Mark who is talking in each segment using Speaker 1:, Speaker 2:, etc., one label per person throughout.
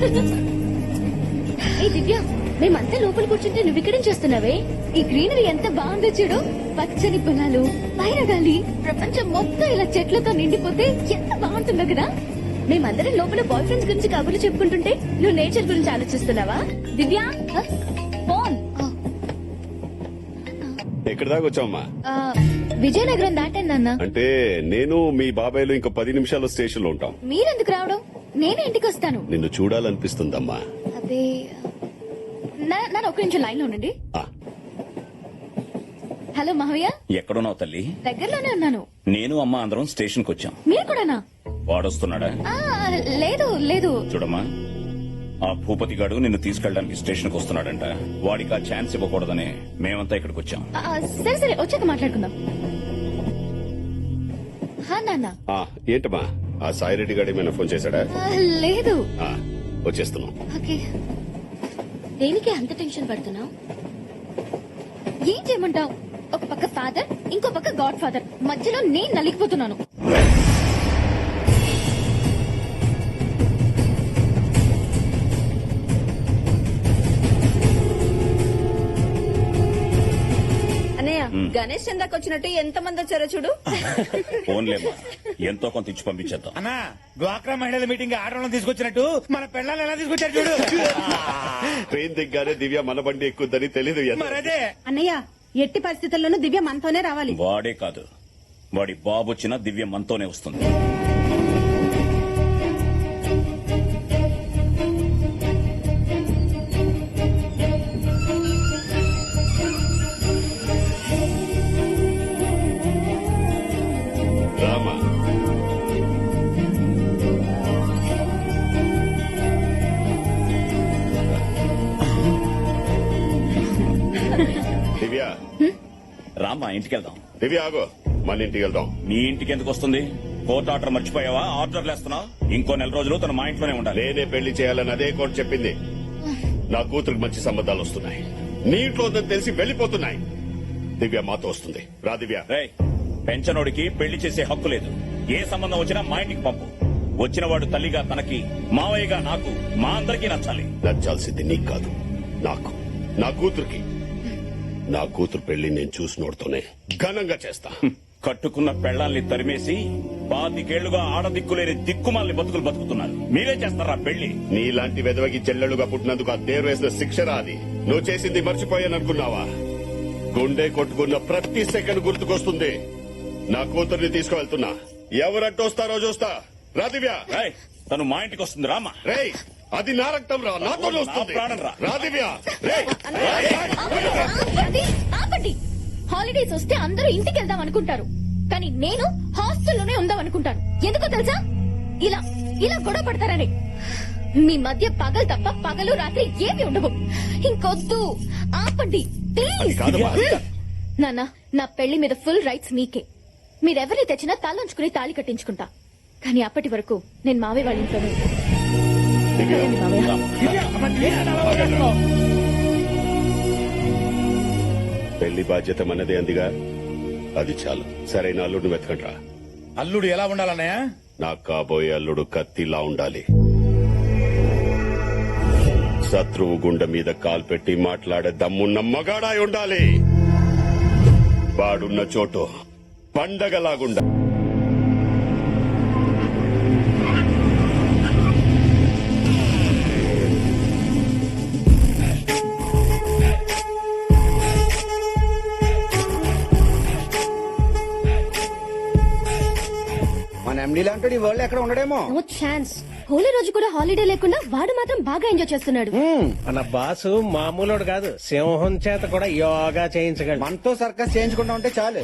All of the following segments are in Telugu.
Speaker 1: ఏ దివ్య, మేమంతా లోపల కూర్చుంటే నువ్వు ఇక్కడేం చేస్తున్నావే? ఈ గ్రీనరీ ఎంత బాగుందో చూడు. పచ్చని పొలాలు, పైన గాలి, ప్రపంచం మొత్తం ఇలా చెట్లతో నిండిపోతే ఎంత బాగుంటుందో కదా. మేమందరం లోపల బాయ్ ఫ్రెండ్స్ గురించి కబుర్లు చెప్పుకుంటుంటే నువ్వు నేచర్ గురించి ఆలోచిస్తున్నావా? దివ్య, ఫోన్.
Speaker 2: ఎక్కడి దాకా వచ్చావమ్మా?
Speaker 1: విజయనగరం దాటాను నాన్న.
Speaker 2: అంటే నేను మీ బాబాయ్లు ఇంకో 10 నిమిషాల్లో స్టేషన్ లో ఉంటాం.
Speaker 1: మీరెందుకు రావడం? నేనే ఇంటికి వస్తాను.
Speaker 2: నిన్ను చూడాలనిపిస్తుందమ్మా.
Speaker 1: అదే నన్ను ఒక నిమిషం లైన్ లో ఉండండి.
Speaker 2: ఆ,
Speaker 1: హలో మావయ్య.
Speaker 3: ఎక్కడున్నావు తల్లి?
Speaker 1: దగ్గరలోనే ఉన్నాను.
Speaker 3: నేను అమ్మ అందరం స్టేషన్ కు వచ్చాం.
Speaker 1: మీరు కూడానా?
Speaker 3: వాడొస్తున్నాడా?
Speaker 1: లేదు లేదు.
Speaker 3: చూడమ్మా, ఆ భూపతి గాడు నిన్ను తీసుకెళ్ళడానికి స్టేషన్ కు వస్తున్నాడంట. వాడికి ఆ ఛాన్స్ ఇవ్వకూడదని మేమంతా ఇక్కడికి వచ్చాం.
Speaker 1: సరే సరే, వచ్చాక మాట్లాడుకుందాం. నాన్న.
Speaker 2: ఏంటమ్మా, ఆ సాయిరెడ్డి గారు ఏమైనా ఫోన్ చేశాడా?
Speaker 1: లేదు.
Speaker 2: వచ్చేస్తున్నాం.
Speaker 1: ఓకే. దేనికి అంత టెన్షన్ పడుతున్నావు? ఏం చేయమంటావు? ఒక పక్క ఫాదర్, ఇంకో పక్క గాడ్ ఫాదర్, మధ్యలో నేను నలిగిపోతున్నాను.
Speaker 4: గణేష్ చందాకి వచ్చినట్టు ఎంత మంది వచ్చారో చూడు.
Speaker 3: ఫోన్లేమ్మా, ఎంతో కొంత ఇచ్చి పంపించేద్దాం.
Speaker 5: అన్నా, డ్వాక్రా మహిళల మీటింగ్ ఆడవాళ్ళని తీసుకొచ్చినట్టు మన పెళ్ళాలను ఎలా తీసుకొచ్చారు చూడు.
Speaker 2: ట్రైన్ దిగ్గానే దివ్య మన బండి ఎక్కుద్దని తెలీదు.
Speaker 5: మరదే
Speaker 4: అన్నయ్య, ఎట్టి పరిస్థితుల్లోనూ దివ్య మనతోనే రావాలి.
Speaker 3: వాడే కాదు, వాడి బాబు వచ్చినా దివ్య మనతోనే వస్తుంది.
Speaker 2: రామా, దివ్య
Speaker 3: రామ్మా, ఇంటికి వెళ్దాం.
Speaker 2: దివ్య ఆగో, మన ఇంటికి వెళ్దాం.
Speaker 3: నీ ఇంటికి ఎందుకు వస్తుంది? కోర్టు ఆర్డర్ మర్చిపోయావా? ఆర్డర్లు వేస్తున్నావు. ఇంకో 4 రోజులు తన మా ఇంట్లోనే ఉండాలి.
Speaker 2: నేనే పెళ్లి చేయాలని అదే కోర్టు చెప్పింది. నా కూతురికి మంచి సంబంధాలు వస్తున్నాయి. నీ ఇంట్లో ఉందని తెలిసి వెళ్లిపోతున్నాయి. దివ్య మాతో వస్తుంది. రా దివ్య.
Speaker 3: రేయ్, పెంచనోడికి పెళ్లి చేసే హక్కు లేదు. ఏ సంబంధం వచ్చినా మా ఇంటికి పంపు. వచ్చినవాడు తల్లిగా తనకి, మావయ్యగా నాకు, మా అందరికీ నచ్చాలి.
Speaker 2: నచ్చాల్సింది నీకు కాదు, నాకు, నా కూతురికి. నా కూతురు పెళ్లి నేను చూసినోడుతోనే ఘనంగా చేస్తా.
Speaker 3: కట్టుకున్న పెళ్లాల్ని తరిమేసి 25 ఆడదిక్కులేని దిక్కుమాల్ని బతుకులు బతుకుతున్నారు. మీరే చేస్తారా పెళ్లి?
Speaker 2: నీలాంటి వెదవకి చెల్లెలుగా పుట్టినందుకు ఆ దేవుడు వేసిన శిక్షరా అది. నువ్వు చేసింది మర్చిపోయాననుకున్నావా? గుండె కొట్టుకున్న ప్రతి సెకండ్ గుర్తుకొస్తుంది. నా కూతుర్ని తీసుకువెళ్తున్నా. ఎవరంటూ వస్తారో చూస్తా. రా దివ్య.
Speaker 3: రేయ్, తను మా ఇంటికి వస్తుంది. రామా.
Speaker 2: రేయ్, అది నా రక్తం రా, నాతో వస్తుంది.
Speaker 3: నా ప్రాణం రా.
Speaker 2: రా దివ్య. రేయ్,
Speaker 1: ఆపండి. హాలిడేస్ వస్తే అందరూ ఇంటికి వెళ్దాం అనుకుంటారు, కానీ నేను హాస్టల్లోనే ఉందాం అనుకుంటాను. ఎందుకో తెలుసా? ఇలా ఇలా గొడవ పడతారని. మీ మధ్య పగలు తప్ప పగలు రాత్రి ఏమి ఉండవు. ఇంకొద్దు, ఆపండి ప్లీజ్. నాన్న, నా పెళ్లి మీద ఫుల్ రైట్స్ మీకే. మీరెవరిని తెచ్చినా తలంచుకుని తాళి కట్టించుకుంటా. కానీ అప్పటి వరకు నేను మావయ్య వాళ్ళ ఇంట్లోనే ఉంటాను.
Speaker 2: పెళ్లి బాధ్యత మనదే అందిగా, అది చాలు. సరైన అల్లుడిని వెతకండ్రా.
Speaker 5: అల్లుడు ఎలా ఉండాలన్నయ్య?
Speaker 2: నాకు కాబోయే అల్లుడు కత్తిలా ఉండాలి. శత్రువు గుండె మీద కాలు పెట్టి మాట్లాడే దమ్మున్న మగాడాయి ఉండాలి. వాడున్న చోటు పండగలాగుండా.
Speaker 6: మన ఎండీ లాంటి ఈ వరల్డ్ ఎక్కడ ఉండడేమో.
Speaker 1: No chance. హోలీ రోజు కూడా హాలిడే లేకుండా వాడు మాత్రం బాగా ఎంజాయ్ చేస్తున్నాడు.
Speaker 7: మన బాసు మామూలుడు కాదు, సింహం చేత కూడా యోగా చేయించగలడు.
Speaker 6: మనతో సర్కస్ చేయించుకుంటా ఉంటే చాలు.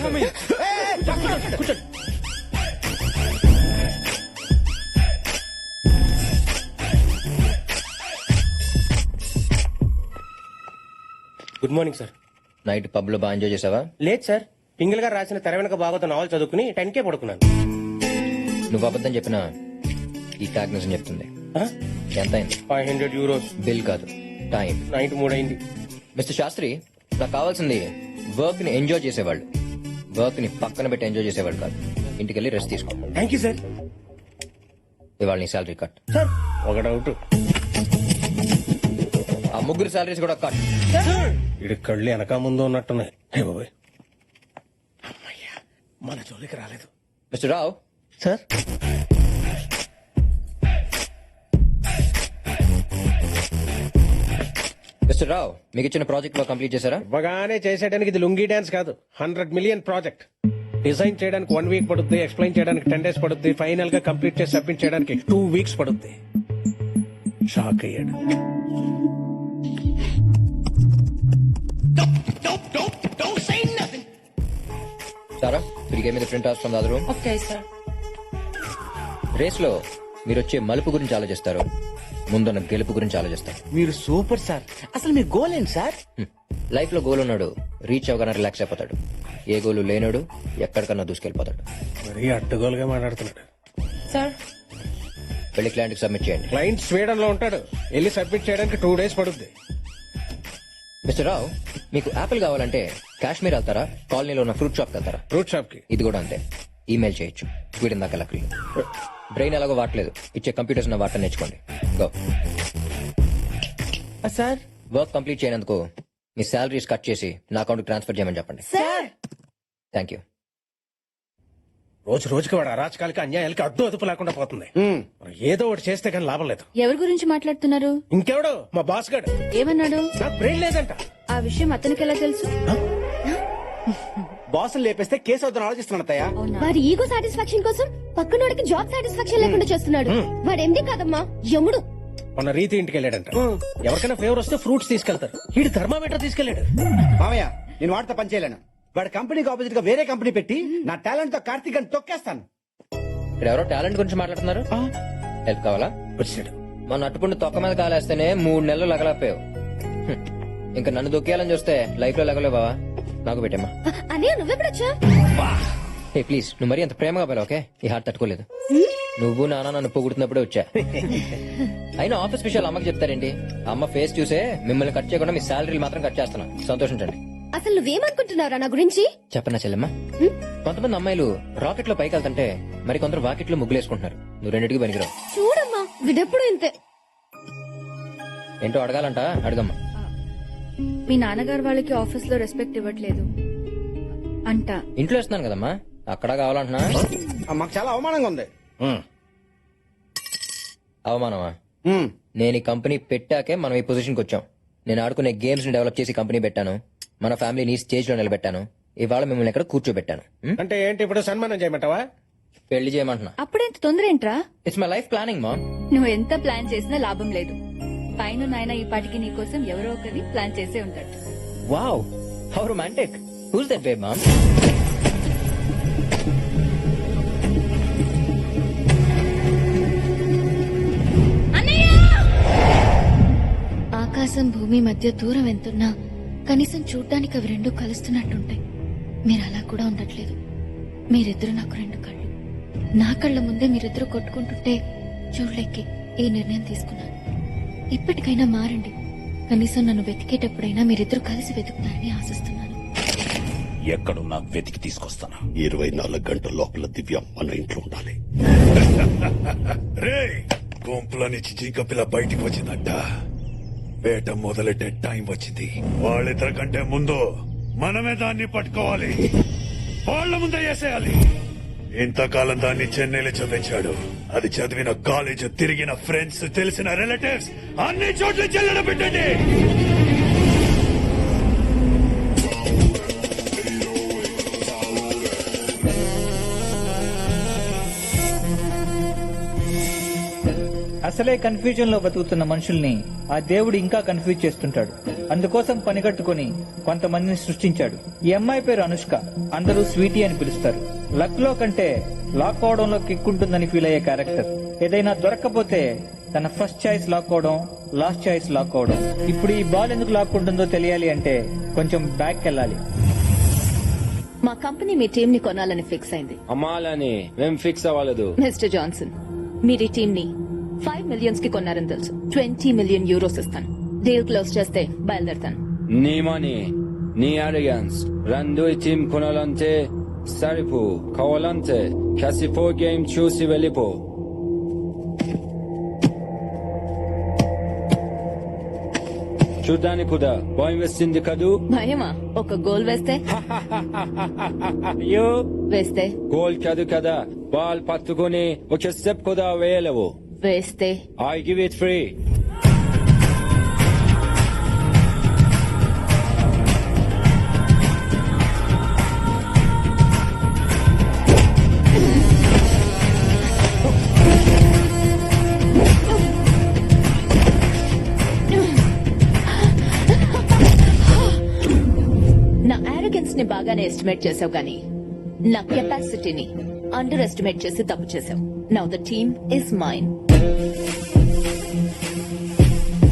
Speaker 7: Good morning sir.
Speaker 8: Night pub లో బాగా ఎంజాయ్ చేసావా?
Speaker 7: లేదు సార్, పింగిల్ గారు రాసిన తెర వెనక బాగోత నావల్ చదువుకుని 10K పడుకున్నాను.
Speaker 8: నువ్వు అబద్ధం చెప్పినా ఈ ట్యాగ్ నిజం చెప్తుంది. ఎంత అయింది?
Speaker 7: 500 euros.
Speaker 8: బిల్ కాదు, టైం.
Speaker 7: నైట్ 3 అయింది.
Speaker 8: మిస్టర్ శాస్త్రి, నాకు కావాల్సింది వర్క్ ని ఎంజాయ్ చేసేవాళ్ళు, వర్క్ ని పక్కన పెట్టి ఎంజాయ్ చేసేవాళ్ళు కాదు. ఇంటికి వెళ్ళి రెస్ట్ తీసుకో.
Speaker 7: Thank you sir.
Speaker 8: ఇవాళ నీ శాలరీ కట్.
Speaker 7: సార్, ఒక డౌట్.
Speaker 8: ముగ్గురు సాలరీస్ కూడా కట్.
Speaker 7: ఇడి కళ్ళు వెనక ముందు ఉన్నట్టున్నాయి. హే బాబోయ్. అమ్మయ్యా, మన జోలికి రాలేదు.
Speaker 8: Mister Rao,
Speaker 7: sir,
Speaker 8: mister Rao, మీకు ఇచ్చిన ప్రాజెక్ట్ లో కంప్లీట్ చేశారా?
Speaker 7: ఇవ్వగానే చేసేయడానికి ఇది లుంగీ డాన్స్ కాదు, 100 మిలియన్ ప్రాజెక్ట్. డిజైన్ చేయడానికి 1 వీక్ పడుద్ది, ఎక్స్ప్లెయిన్ చేయడానికి 10 days పడుద్ది, ఫైనల్ గా కంప్లీట్ చేసి సబ్మిట్ చేయడానికి 2 weeks పడుద్ది. షాక్ అయ్యాడు.
Speaker 8: సారా, మీరు గేమ్ మీద print out from the other room.
Speaker 4: Okay sir.
Speaker 8: Race లో మీరు వచ్చే మలుపు గురించి ఆలోచిస్తారు, ముందున్న గెలుపు గురించి ఆలోచిస్తారు.
Speaker 6: మీరు సూపర్ సార్. అసలు మీ గోల్ ఏంటి సార్?
Speaker 8: లైఫ్ లో గోల్ ఉన్నాడు రీచ్ అవగానే రిలాక్స్ అయిపోతాడు. ఏ గోలు లేనాడు ఎక్కడికన్నా దూసుకెళ్ళిపోతాడు.
Speaker 7: మరీ అడ్డగోలుగా మాట్లాడుతున్నాడు.
Speaker 4: సార్
Speaker 8: వెళ్ళి క్లయింట్ కి సబ్మిట్ చేయండి.
Speaker 7: క్లయింట్ స్వీడన్ లో ఉంటాడు, వెళ్ళి సబ్మిట్ చేయడానికి 2 days పడుద్ది.
Speaker 8: మిస్టర్ రావు, మీకు యాపిల్ కావాలంటే కాశ్మీర్ వెళ్తారా, కాలనీలో ఉన్న ఫ్రూట్ షాప్ వెళ్తారా?
Speaker 7: ఫ్రూట్ షాప్ కి.
Speaker 8: ఇది కూడా అంతే, ఈమెయిల్ చేయొచ్చు. స్వీడన్ దాకా లక్లీ. బ్రెయిన్ ఎలాగో వాడలేదు, ఇచ్చే కంప్యూటర్స్ ఉన్న వాటర్ నేర్చుకోండి. గో.
Speaker 6: సార్
Speaker 8: వర్క్ కంప్లీట్ చేయనందుకు మీ శాలరీస్ కట్ చేసి నా అకౌంట్ ట్రాన్స్ఫర్ చేయమని చెప్పండి.
Speaker 4: Sir
Speaker 8: thank you.
Speaker 7: రోజు రోజుకి వాడు అరాచకాలకి అన్యాయాలకి అడ్డు అదుపు లేకుండా పోతుంది. మరి ఏదో ఒకటి చేస్తే కానీ లాభం లేదు.
Speaker 1: ఎవరి గురించి మాట్లాడుతున్నారు?
Speaker 7: ఇంకెవడు, మా బాస్ గడు.
Speaker 1: ఏమన్నాడు?
Speaker 7: నాకు బ్రెయిన్ లేదంట.
Speaker 1: ఆ విషయం అతనికి ఎలా తెలుసు?
Speaker 6: బాసులు లేపేస్తే కేసు అవుతాను ఆలోచిస్తున్నాను అత్తయ్య.
Speaker 1: వాడి ఈగో సాటిస్ఫాక్షన్ కోసం పక్కనోడికి జాబ్ సాటిస్ఫాక్షన్ లేకుండా చేస్తున్నాడు. వాడు ఎండి కాదమ్మా, యముడు.
Speaker 7: మొన్న రీతి ఇంటికి వెళ్ళాడంట. ఎవరికైనా ఫేవర్ వస్తే ఫ్రూట్స్ తీసుకెళ్తారు, వీడు థర్మామీటర్ తీసుకెళ్లాడు.
Speaker 6: మామయ్య, నేను వాడితో పని చేయలేను. వాడి కంపెనీకి ఆపోజిట్ గా వేరే కంపెనీ పెట్టి నా టాలెంట్ తో కార్తీక్ అని తొక్కేస్తాను.
Speaker 8: ఇక్కడ ఎవరో టాలెంట్ గురించి మాట్లాడుతున్నారు. హెల్ప్ కావాలా?
Speaker 7: వచ్చాడు.
Speaker 8: మన అట్టుపుండి తొక్క మీద కాలేస్తేనే 3 నెలలు లగలపోయావు. ఇంకా నన్ను దొక్కేయాలని చూస్తే లైఫ్ లో లగలేవు బావా. నాకు పెట్టమ్మా.
Speaker 1: అనే నువ్వెప్పుడొచ్చా?
Speaker 8: ఏ ప్లీజ్, నువ్వు మరీ అంత ప్రేమగా పోయావు. ఓకే, ఈ హార్ట్ తట్టుకోలేదు. నువ్వు నాన్న నన్ను పొగుడుతున్నప్పుడే వచ్చా. అయినా ఆఫీస్ విషయాలు అమ్మకి చెప్తారేంటి? అమ్మ ఫేస్ చూసే మిమ్మల్ని కట్ చేయకుండా మీ శాలరీలు మాత్రం కట్ చేస్తున్నా. సంతోషించండి.
Speaker 1: అసలు నువ్వేమనుకుంటున్నారా నా గురించి?
Speaker 8: చెప్పనా చెల్లెమ్మా, కొంతమంది అమ్మాయిలు రాకెట్ లో పైకి వెళ్తుంటే మరి కొందరు వాకెట్ లో ముగ్గులేసుకుంటున్నారు. నువ్వు రెండింటికి పనికిరావు.
Speaker 1: చూడమ్మా, వీడెప్పుడు ఇంతే.
Speaker 8: ఏంటో అడగాలంట, అడగమ్మా.
Speaker 1: మీ నాన్నగారు వాళ్ళకి ఆఫీస్ లో రెస్పెక్ట్ ఇవ్వట్లేదు అంట.
Speaker 8: ఇంట్లో ఇస్తున్నాను కదమ్మా, అక్కడ కావాలంటున్నా.
Speaker 6: మాకు చాలా అవమానంగా ఉంది.
Speaker 8: అవమానమా? నేను ఈ కంపెనీ పెట్టాకే మనం ఈ పొజిషన్కి వచ్చాం. నేను ఆడుకునే గేమ్స్ ని డెవలప్ చేసి కంపెనీ పెట్టాను. మన ఫ్యామిలీని స్టేజ్ లో నిలబెట్టాను. ఇవాళ మిమ్మల్ని ఎక్కడ కూర్చోబెట్టాను.
Speaker 7: అంటే ఏంటి, ఇప్పుడు సన్మానం చేయమంటావా?
Speaker 8: పెళ్లి చేయమంటున్నా.
Speaker 1: అప్పుడెంత తొందర ఏంట్రా?
Speaker 8: ఇట్స్ మై లైఫ్ ప్లానింగ్ మా.
Speaker 1: నువ్వు ఎంత ప్లాన్ చేసినా లాభం లేదు. పైన నాయన ఈ పాటికి నీ కోసం ఎవరో ఒకరిని ప్లాన్ చేసే ఉంటాడు.
Speaker 8: Wow, how romantic. Who's that babe mom?
Speaker 1: ఆకాశం భూమి మధ్య దూరం ఎంతున్నా కనీసం చూడ్డానికి అవి రెండు కలుస్తున్నట్టుంటాయి. మీరు అలా కూడా ఉండట్లేదు. మీరిద్దరు నాకు 2 కళ్ళు. నా కళ్ళ ముందే మీరిద్దరు కొట్టుకుంటుంటే చూడలేకే ఈ నిర్ణయం తీసుకున్నాను. ఇప్పటికైనా మారండి. కనీసం నన్ను వెతికేటప్పుడైనా మీరిద్దరు కలిసి వెతుకుతారని ఆశిస్తున్నాను.
Speaker 3: ఎక్కడున్నా వెతికి తీసుకొస్తాను.
Speaker 2: 24 గంటల లోపల దివ్య మన ఇంట్లో ఉండాలి.
Speaker 9: రే, గుంపులో నుంచి జింక పిల్ల బయటికి వచ్చిందంట. వేట మొదలెట్టే టైం వచ్చింది. వాళ్ళిద్దరి కంటే ముందు మనమే దాన్ని పట్టుకోవాలి. వాళ్ళ ముందే వేసేయాలి. ఇంతకాలం దాన్ని చెన్నైలో చదివించాడు. అది చదివిన కాలేజ్, తిరిగిన ఫ్రెండ్స్, తెలిసిన రిలేటివ్స్ అన్ని చోట్ల చెల్లెడ పెట్టండి.
Speaker 5: అసలే కన్ఫ్యూజన్ లో బతుకుతున్న మనుషుల్ని ఆ దేవుడు ఇంకా కన్ఫ్యూజ్ చేస్తుంటాడు. అందుకోసం పనిగట్టుకుని కొంతమందిని సృష్టించాడు. ఈ అమ్మాయి పేరు అనుష్క. అందరూ స్వీటీ అని పిలుస్తారు. లక్ లో కంటే లాక్ అవడంలో కిక్ ఉంటుందని ఫీల్ అయ్యే క్యారెక్టర్. ఏదైనా దొరక్కపోతే తన ఫస్ట్ చాయిస్ లాక్ అవడం, లాస్ట్ చాయిస్ లాక్ అవడం. ఇప్పుడు ఈ బాల్ ఎందుకు లాక్కుంటుందో తెలియాలి అంటే కొంచెం బ్యాక్ వెళ్ళాలి.
Speaker 1: మా కంపెనీ మీ టీం ని కొనాలని ఫిక్స్ అయింది.
Speaker 10: అమ్మాలని మేం ఫిక్స్ అవ్వలేదు.
Speaker 1: మిస్టర్ జాన్సన్, మీరు ఈ టీం ని 5 million కి కొన్నారని తెలుసు. 20 million euros ఇస్తాను. డీల్ క్లోజ్ చేస్తే బయలుదేరుతాను.
Speaker 10: నీ మనీ, నీ అరిగన్స్ రెండు టీం కొనాలంటే సరిపో. కావాలంటే కాసిపో గేమ్ చూసి వెళ్ళిపో. చూడ్డానికి కూడా భయం వేస్తుంది కదూ
Speaker 4: భయమా? ఒక గోల్ వేస్తే
Speaker 10: అయ్యో
Speaker 4: వేస్తే
Speaker 10: గోల్ కాదు కదా బాల్ పట్టుకొని ఒక స్టెప్ కూడా వేయలేవు
Speaker 4: వేస్తే
Speaker 10: ఐ గివ్ ఇట్ ఫ్రీ
Speaker 4: నా ఆరోగెన్స్ ని బాగానే ఎస్టిమేట్ చేసావు కానీ నా కెపాసిటీని అండర్ ఎస్టిమేట్ చేసి తప్పు చేసావు. Now the team is mine.